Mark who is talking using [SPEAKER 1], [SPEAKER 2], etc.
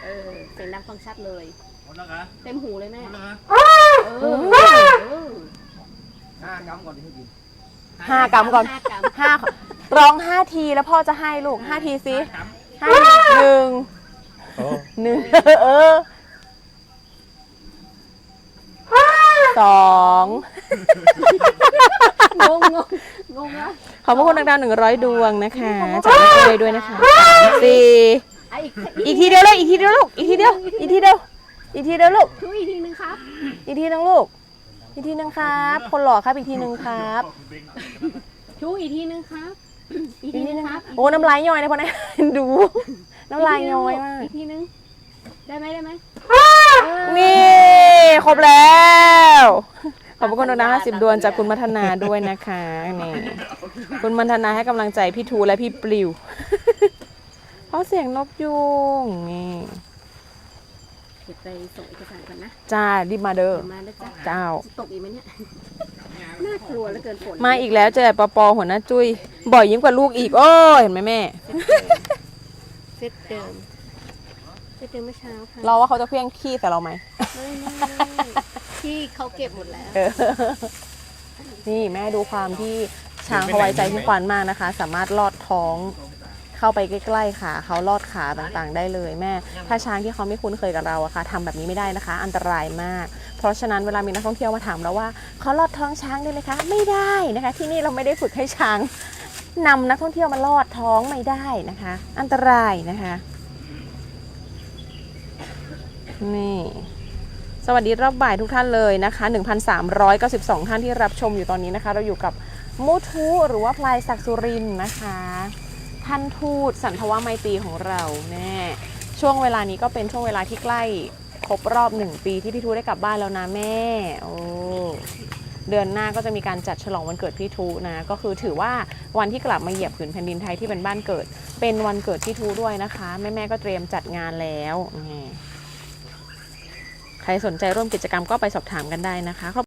[SPEAKER 1] เสียงดังฟังชัดเลย
[SPEAKER 2] หมดแล้วเหรอ
[SPEAKER 1] เต็มหูเลยแม่
[SPEAKER 2] หมดแล้วเหรอ
[SPEAKER 3] 5 กรัมก่อนที่กิน
[SPEAKER 4] 5 กรัมก่อน
[SPEAKER 1] 5 กรัม
[SPEAKER 4] ร้อง5 ทีแล้วพ่อจะให้ลูก5 ทีสิ5 1 2
[SPEAKER 1] งงนะ
[SPEAKER 4] ขอบพระคุณดาว100 ดวงนะคะจากแม่เอ้ยด้วยนะคะ4อีกทีเดียวเลยอีกทีเดียวลูกอีกทีเดียวลูก
[SPEAKER 1] ช่วยอีกทีนึงครับ
[SPEAKER 4] อีกทีนึงลูกอีกทีนึงครับคนหล่อครับอีกทีนึงครับ
[SPEAKER 1] ช่วยอีกทีนึงครับอีกทีนึงครับ
[SPEAKER 4] โอ้น้ำลายย้อยนะพ่อนะดูน้ำลายย้อยมาก
[SPEAKER 1] อีกทีนึงได้ไหม
[SPEAKER 4] นี่ครบแล้วขอบคุณนะ50 ดวงจากคุณมัทนาด้วยนะคะนี่คุณมัทนาให้กำลังใจพี่ทูและพี่ปลิวเพราะเสียงนกยุงนี่
[SPEAKER 1] เดี๋ยวไปส่งเอกสารก่อนนะ
[SPEAKER 4] จ้ารีบมาเด้อ
[SPEAKER 1] มาแล้วจ้ะ
[SPEAKER 4] เจ้า
[SPEAKER 1] ตกอีกไหมเนี่ยน่ากลัวเหลือเกินฝน
[SPEAKER 4] มาอีกแล้วเจอปอหัวหน้าจุ้ยบ่อยยิ่งกว่าลูกอีกโอ้เห็นไหมแม่
[SPEAKER 1] เซตเดิมเมื่อเช้าค่ะ
[SPEAKER 4] เราว่าเขาจะเพี้ยงขี้ใส่เราไหม
[SPEAKER 1] ไม่ที่เขาเก็บหมดแล้ว
[SPEAKER 4] นี่แม่ดูความที่ช้างเขาไว้ใจพี่ขวัญมากนะคะ สามารถลอดท้องเข้าไปใกล้ๆขาเขาลอดขาต่างๆได้เลยแม่ถ้าช้างที่เขาไม่คุ้นเคยกับเราอะค่ะทำแบบนี้ไม่ได้นะคะ อันตรายมาก เพราะฉะนั้นเวลามีนักท่องเที่ยวมาถามเราว่าเขาลอดท้องช้างได้ไหมคะไม่ได้นะคะที่นี่เราไม่ได้ฝึกให้ช้างนำนักท่องเที่ยวมาลอดท้องไม่ได้นะคะ อันตรายนะคะนี่สวัสดีรอบบ่ายทุกท่านเลยนะคะ 1,392 ท่านที่รับชมอยู่ตอนนี้นะคะเราอยู่กับมูทูหรือว่าพลายศักดิ์สุรินทร์นะคะท่านทูตสันทวไมตรีของเราแน่ช่วงเวลานี้ก็เป็นช่วงเวลาที่ใกล้ครบรอบ1 ปีที่พี่ทูได้กลับบ้านแล้วนะแม่โอ้เดือนหน้าก็จะมีการจัดฉลองวันเกิดพี่ทูนะก็คือถือว่าวันที่กลับมาเหยียบผืนแผ่นดินไทยที่เป็นบ้านเกิดเป็นวันเกิดพี่ทูด้วยนะคะแม่ๆก็เตรียมจัดงานแล้วใครสนใจร่วมกิจกรรมก็ไปสอบถามกันได้นะคะ